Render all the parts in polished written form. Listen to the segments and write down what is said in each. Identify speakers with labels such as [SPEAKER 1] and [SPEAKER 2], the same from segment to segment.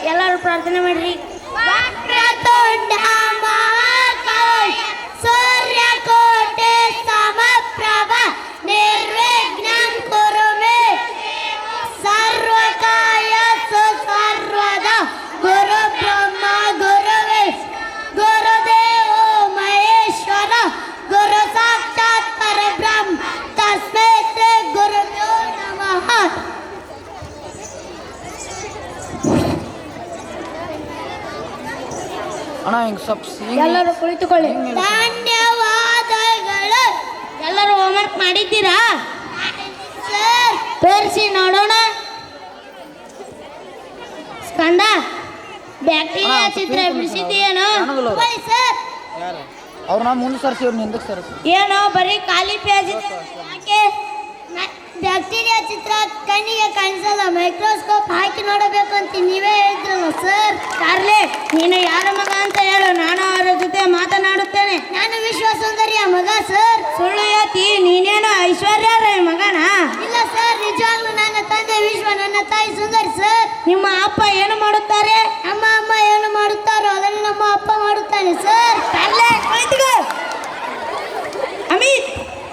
[SPEAKER 1] ಎಲ್ಲರೂ ಪ್ರಾರ್ಥನೆ ಮಾಡ್ರಿ.
[SPEAKER 2] ವಕ್ರತುಂಡ ಮಹಾಕಾಯ ಸೂರ್ಯಕೋಟಿ ಸಮಪ್ರಭ ನಿರ್ವಿಘ್ನಂ ಕುರು ಮೇ ಸರ್ವಕಾಯ ಸರ್ವದ ಗುರು ಬ್ರಹ್ಮ ಗುರು ವಿಷ್ಣು ಗುರುದೇವೋ ಮಹೇಶ್ವರ ಗುರು ಸಾಕ್ಷಾತ್ ಪರಬ್ರಹ್ಮ ತಸ್ಮೈ ಶ್ರೀ ಗುರುಭ್ಯೋ ನಮಃ.
[SPEAKER 3] ಅಣ್ಣ ಹಿಂಗೆ ಸ್ವಲ್ಪ
[SPEAKER 1] ಎಲ್ಲರೂ ಕುಳಿತುಕೊಳ್ಳಿ.
[SPEAKER 2] ಧನ್ಯವಾದಗಳು.
[SPEAKER 1] ಎಲ್ಲರೂ ಹೋಮ್ವರ್ಕ್ ಮಾಡಿದ್ದೀರಾ?
[SPEAKER 2] ಸರ್
[SPEAKER 1] ತೋರಿಸಿ ನೋಡೋಣ. ಸ್ಕಂದ ಬ್ಯಾಕ್ಟೀರಿಯಾ ಚಿತ್ರ ಬಿಡಿಸಿದ್ದೀಯೇನೋ?
[SPEAKER 2] ಬನ್ನಿ ಸರ್.
[SPEAKER 3] ಅವ್ರನ್ನ ಮುಂದೆ ಸರ್ಸಿ ಅವ್ರನ್ನ ಹಿಂದಕ್ಕೆ ಸರ್ಸಿ.
[SPEAKER 1] ಏನೋ ಬರೀ ಖಾಲಿ ಪೇಜ್ ಇದೆ. ಯಾಕೆ?
[SPEAKER 2] ಬ್ಯಾಕ್ಟೀರಿಯಾ ಚಿತ್ರ ಕಣ್ಣಿಗೆ ಕಾಣಿಸಲ್ಲ, ಮೈಕ್ರೋಸ್ಕೋಪ್ ಹಾಕಿ ನೋಡಬೇಕು ಅಂತ ನೀವೇ ಹೇಳಿದ್ರಲ್ಲ ಸರ್.
[SPEAKER 1] ಕಾರ್ಲೆ, ನೀನು ಯಾರ ಮಗ ಅಂತ ಹೇಳು, ನಾನು ಅವರ ಜೊತೆ ಮಾತನಾಡುತ್ತೇನೆ.
[SPEAKER 2] ನಾನು ವಿಶ್ವ ಸುಂದರಿಯ ಮಗ ಸರ್.
[SPEAKER 1] ಸುಳ್ಳು ಹೇಳ್ತಿ, ನೀನೇನು ಐಶ್ವರ್ಯ ರೈ ಮಗನ?
[SPEAKER 2] ಇಲ್ಲ ಸರ್, ನಿಜವಾಗ್ಲೂ ನನ್ನ ತಂದೆ ವಿಶ್ವ, ನನ್ನ ತಾಯಿ ಸುಂದರಿ ಸರ್.
[SPEAKER 1] ನಿಮ್ಮ ಅಪ್ಪ ಏನು ಮಾಡುತ್ತಾರೆ?
[SPEAKER 2] ನಮ್ಮ ಅಮ್ಮ ಏನು ಮಾಡುತ್ತಾರೋ ಅದನ್ನು ನಮ್ಮ ಅಪ್ಪ ಮಾಡುತ್ತಾನೆ ಸರ್.
[SPEAKER 1] ಕಾರ್ಲೆ, ಕುಳಿತುಕೋ. ಅಮಿತ್,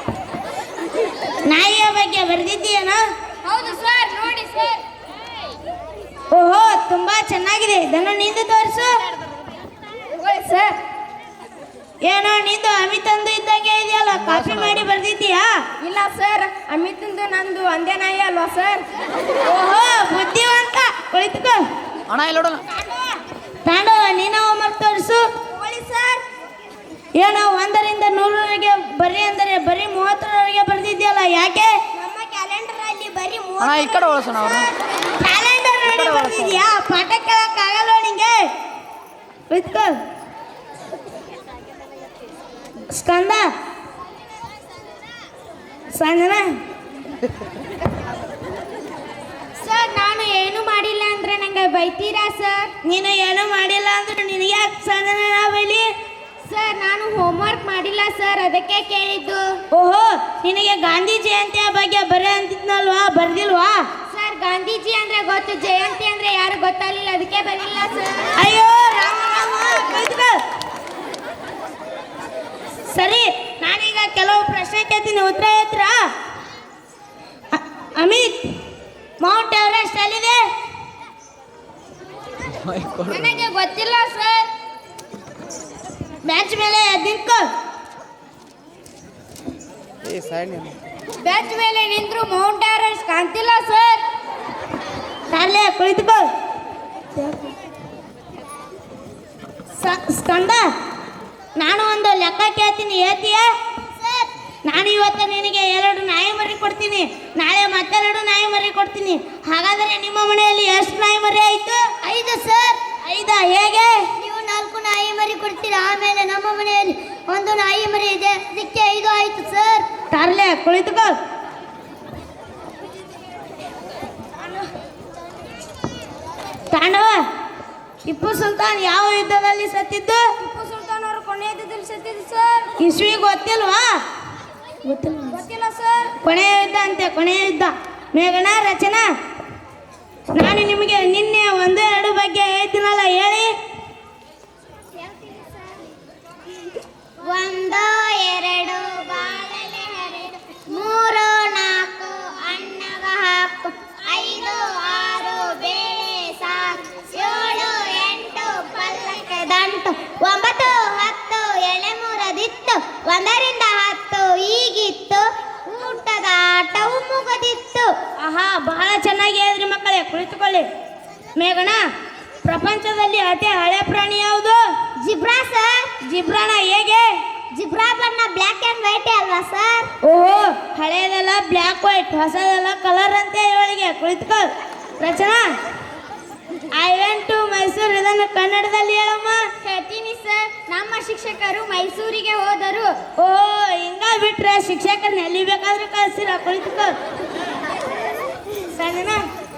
[SPEAKER 1] ನಾಯಿಯ ಬಗ್ಗೆ ಬರೆದಿದ್ದೀಯೇನೋ?
[SPEAKER 2] ಹೌದು ಸರ್, ನೋಡಿ ಸರ್.
[SPEAKER 1] ಓಹೋ, ತುಂಬಾ ಚೆನ್ನಾಗಿದೆ. ಇದನ್ನು ನಿಂದು ತೋರಿಸು
[SPEAKER 2] ಸರ್.
[SPEAKER 1] ಏನೋ ನಿಂದು ಅಮಿತ್ ಅಂದು ಇದ್ದಂಗೆ ಇದೆಯಲ್ಲ, ಕಾಪಿ ಮಾಡಿ ಬರ್ದಿದ್ದೀಯಾ?
[SPEAKER 2] ಇಲ್ಲ ಸರ್, ಅಮಿತಂದು ನಂದು ಒಂದೇ ನಾಯಿ ಅಲ್ವಾ ಸರ್.
[SPEAKER 1] ಓಹೋ, ಬುದ್ಧಿವಂತ. ಕುಳಿತುಕೋ.
[SPEAKER 3] ಅಣ್ಣ ಇಲ್ಲಿ ನೋಡೋಣ.
[SPEAKER 1] ತಾಂಡವ, ನೀನು ಹೋಮ್ವರ್ಕ್ ತೋರಿಸು.
[SPEAKER 2] ಸರ್,
[SPEAKER 1] ಏನೋ 1ರಿಂದ 100ರವರೆಗೆ ಬರೀ ಅಂದರೆ ಬರೀ 30ರವರೆಗೆ ಬರ್ದಿದ್ಯಲ್ಲ, ಯಾಕೆ?
[SPEAKER 2] ನಮ್ಮ ಕ್ಯಾಲೆಂಡರ್ ಅಲ್ಲಿ ಬರೀ
[SPEAKER 3] ಅಣ್ಣ ಈ ಕಡೆ ಒಳಸೋಣ ಅವ್ರು.
[SPEAKER 1] ಕ್ಯಾಲೆಂಡರ್ ನೋಡಿ ಬರ್ದಿದ್ಯಾ? ಪಾಠ ಕೇಳಕ್ಕಾಗಲ್ಲ ನಿಂಗೆ. ಕುಳಿತುಕೋ. ಸ್ಕಂದ, ಸಂಜನಾ,
[SPEAKER 2] ಸರ್ ನಾನು ಏನು ಮಾಡಿಲ್ಲ ಅಂದ್ರೆ ನಂಗೆ ಬೈತೀರಾ ಸರ್?
[SPEAKER 1] ನೀನು ಏನೂ ಮಾಡಿಲ್ಲ ಅಂದ್ರೆ ನಿನಗೆ ಯಾಕೆ ಸಂಜನಾ ಬೈಲಿ?
[SPEAKER 2] ಸರ್ ನಾನು ಹೋಮ್ವರ್ಕ್ ಮಾಡಿಲ್ಲ ಸರ್, ಅದಕ್ಕೆ ಕೇಳಿದ್ದು.
[SPEAKER 1] ಓಹೋ, ನಿನಗೆ ಗಾಂಧಿ ಜಯಂತಿಯ ಬಗ್ಗೆ ಬರೀ ಅಂತಿದ್ನಲ್ವಾ, ಬರ್ದಿಲ್ವಾ?
[SPEAKER 2] ಸರ್ ಗಾಂಧೀಜಿ ಅಂದ್ರೆ ಗೊತ್ತು, ಜಯಂತಿ ಅಂದ್ರೆ ಯಾರು ಗೊತ್ತಾಗಲಿಲ್ಲ, ಅದಕ್ಕೆ ಬರಲಿಲ್ಲ ಸರ್.
[SPEAKER 1] ಅಯ್ಯೋ ರಾಮ ರಾಮ, ಕುಳಿತುಕೋ. ಸರಿ, ನಾನೀಗ ಕೆಲವು ಪ್ರಶ್ನೆ ಕೇಳ್ತೀನಿ, ಉತ್ತರ ಹೇಳ್ತೀರಾ? ಅಮಿತ್, ಮೌಂಟ್ ಎವರೆಸ್ಟ್ ಎಲ್ಲಿದೆ?
[SPEAKER 2] ನನಗೆ ಗೊತ್ತಿಲ್ಲ ಸರ್.
[SPEAKER 1] ಬೆಂಚ್ ಮೇಲೆ ನಿಂತ್ಕೋ.
[SPEAKER 2] ಬೆಂಚ್ ಮೇಲೆ ನಿಂತ್ರು ಮೌಂಟ್ ಎವರೆಸ್ಟ್ ಕಾಣ್ತಿಲ್ಲ ಸರ್.
[SPEAKER 1] ಕಾರ್ಲೆ, ಕುಳಿತುಕೋ. ಸ್ಕಂದ, ನಾನು ಒಂದು ಲೆಕ್ಕ ಕೇಳ್ತೀನಿ, ಹೇಳ್ತೀಯ?
[SPEAKER 2] ಸರ್
[SPEAKER 1] ನಾನು ಇವತ್ತು ನಿನಗೆ 2 ನಾಯಿ ಮರಿ ಕೊಡ್ತೀನಿ, ನಾಳೆ ಮತ್ತೆ 2 ನಾಯಿ ಮರಿ ಕೊಡ್ತೀನಿ. ಹಾಗಾದರೆ ನಿಮ್ಮ ಮನೆಯಲ್ಲಿ ಎಷ್ಟು ನಾಯಿ ಮರಿ ಆಯಿತು?
[SPEAKER 2] 5 ಸರ್.
[SPEAKER 1] 5? ಹೇಗೆ?
[SPEAKER 2] ನೀವು 4 ನಾಯಿ ಮರಿ ಕೊಡ್ತೀರಾ, ಆಮೇಲೆ ನಮ್ಮ ಮನೆಯಲ್ಲಿ 1 ನಾಯಿ ಮರಿ ಇದೆ, ಅದಕ್ಕೆ 5 ಆಯ್ತು ಸರ್.
[SPEAKER 1] ಕಾರ್ಲೆ, ಕುಳಿತುಕೋ. ತಾಂಡವ, ಟಿಪ್ಪು ಸುಲ್ತಾನ್ ಯಾವ ಯುದ್ಧದಲ್ಲಿ ಸತ್ತಿದ್ದು?
[SPEAKER 2] ಟಿಪ್ಪು ಸುಲ್ತಾನ್ ಅವರು ಕೊನೆಯ ಯುದ್ಧದಲ್ಲಿ ಸತ್ತಿದ್ದು ಸರ್.
[SPEAKER 1] ಇಸ್ವಿ ಗೊತ್ತಿಲ್ವಾ?
[SPEAKER 2] ಗೊತ್ತಿಲ್ಲ ಸರ್.
[SPEAKER 1] ಕೊನೆಯ ಯುದ್ಧ ಅಂತೆ, ಕೊನೆಯ ಯುದ್ಧ. ಮೇಘನ, ರಚನಾ, ನಾನು ನಿಮಗೆ ನಿನ್ನೆ 1-2 ಬಗ್ಗೆ ಹೇಳ್ತೀನಲ್ಲ, ಹೇಳಿ.
[SPEAKER 2] 1 2 ಬಾಳೆಲೆ ಹರಿದು, 3 4 ಅನ್ನಗ ಹಾಕು, 5 6 ಬೇಳೆ ಸಾಕು, 7 8 ಪಲ್ಲಕ್ಕೆ ದಂಟು, 9 10 ಎಳೆ ಮುರದಿತ್ತು, 1ರಿಂದ 10 ಈಗಿತ್ತು, ಊಟದ ಆಟವು ಮುಗದಿತ್ತು.
[SPEAKER 1] ಆಹಾ, ಬಹಳ ಚೆನ್ನಾಗಿ ಹೇಳಿದ್ರಿ ಮಕ್ಕಳೇ. ಕುಳಿತುಕೊಳ್ಳಿ. ಮೇಘನ, ಪ್ರಪಂಚದಲ್ಲಿ ಅತಿ ಹಳೆ ಪ್ರಾಣಿ ಯಾವುದು?
[SPEAKER 2] Zebra sir.
[SPEAKER 1] ಜಿಬ್ರಾನ ಹೇಗೆ?
[SPEAKER 2] ಜಿಬ್ರಾ ಬಣ್ಣ ಬ್ಲ್ಯಾಕ್ ಆ್ಯಂಡ್ ವೈಟ್ ಅಲ್ವಾ ಸರ್?
[SPEAKER 1] ಓಹೋ, ಹಳೆಯದೆಲ್ಲ ಬ್ಲ್ಯಾಕ್ ವೈಟ್, ಹೊಸದೆಲ್ಲ ಕಲರ್ ಅಂತ ಇವಳಿಗೆ. ಕುಳಿತುಕೋ. Rachana, I went to Mysuru, ಇದನ್ನು ಕನ್ನಡದಲ್ಲಿ ಹೇಳಮ್ಮ.
[SPEAKER 2] ಹೇಳ್ತೀನಿ ಸರ್. ನಮ್ಮ ಶಿಕ್ಷಕರು ಮೈಸೂರಿಗೆ ಹೋದರು.
[SPEAKER 1] ಓಹೋ, ಹಿಂಗ ಬಿಟ್ರೆ ಶಿಕ್ಷಕರನ್ನ ಎಲ್ಲಿ ಬೇಕಾದ್ರೂ ಕಳಿಸ್ತೀರ. ಕುಳಿತುಕೋ. ಸಂಜನಾ,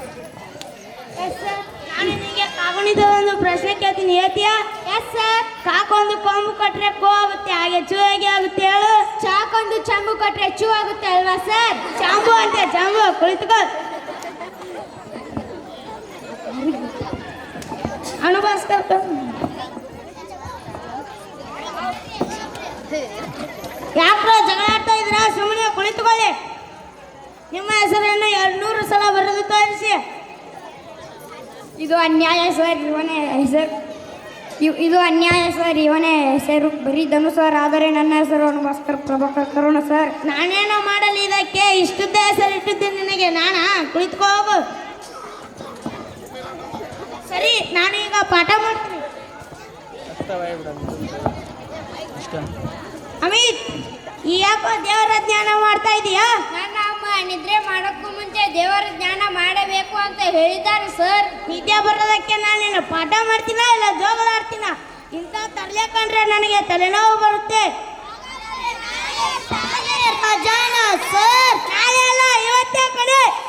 [SPEAKER 1] ನಾನು ನಿನಗೆ ಕಾಗುಣಿದ ಒಂದು ಪ್ರಶ್ನೆ ಕೇಳ್ತೀನಿ, ಹೇಳ್ತೀಯಾ?
[SPEAKER 2] Yes sir.
[SPEAKER 1] ಕಾಕೊಂದು ಕೊಂಬು ಕೊಟ್ರೆ ಕೋ ಆಗುತ್ತೆ, ಹಾಗೆ ಚೂ ಹೇಗೆ ಆಗುತ್ತೆ ಹೇಳು?
[SPEAKER 2] ಚಾಕೊಂದು ಚಂಬು ಕೊಟ್ರೆ ಚೂ ಆಗುತ್ತೆ ಅಲ್ವಾ ಸರ್?
[SPEAKER 1] ಚಾಂಬು ಅಂತೆ, ಚಾಂಬು. ಕುಳಿತುಕೋ. ಅನುಭವಿಸ್ತಾರ ಯಾಕ್ರ ಜಗಳ ಆಡ್ತಾ ಇದ್ರ ಸುಮ್ಮನೆ ಕುಳಿತುಕೊಳ್ಳಿ ನಿಮ್ಮ ಹೆಸರನ್ನು 200 ಸಲ ಬರೆದು ತೋರಿಸಿ
[SPEAKER 2] ಇದು ಅನ್ಯಾಯ ಸರ್ ಇವನೇ ಹೆಸರು ಇದು ಅನ್ಯಾಯ ಸರ್ ಇವನೇ ಹೆಸರು ಬರೀ ಧನು ಸರ್ ಆದರೆ ನನ್ನ ಹೆಸರು ಭಾಸ್ಕರ್ ಪ್ರಭಾಕರ್ ಕರುಣ ಸರ್.
[SPEAKER 1] ನಾನೇನೋ ಮಾಡಲಿ ಇದಕ್ಕೆ ಇಷ್ಟುದ್ದ ಹೆಸರು ಇಟ್ಟಿದ್ದೀನಿ ನಿನಗೆ ನಾನಾ ಕುಳಿತುಕೋ ಹೋಗು ಸರಿ ನಾನು ಈಗ ಪಾಠ ಮಾಡ್ತೀನಿ ಅಮಿತ್ ಈ ಯಾಕೋ ದೇವರ ಜ್ಞಾನ ಮಾಡ್ತಾ ಇದೀಯಾ?
[SPEAKER 2] ನನ್ನ ಅಮ್ಮ ನಿದ್ರೆ ಮಾಡೋಕ್ಕೂ ಮುಂಚೆ ದೇವರ ಜ್ಞಾನ ಮಾಡಬೇಕು ಅಂತ ಹೇಳಿದ್ದಾರೆ ಸರ್.
[SPEAKER 1] ನಿದ್ದೆ ಬರೋದಕ್ಕೆ ನಾನು ನಿನ್ನ ಪಾಠ ಮಾಡ್ತೀನ ಇಲ್ಲ ಜೋಗಲಾಡ್ತೀನ? ಇಂಥ ತರಲೆ ಕಂಡ್ರೆ ನನಗೆ ತಲೆನೋವು ಬರುತ್ತೆ.
[SPEAKER 2] ಸರ್
[SPEAKER 1] ನಾಳೆ ಅಲ್ಲ ಇವತ್ತೇ ಕಡೆ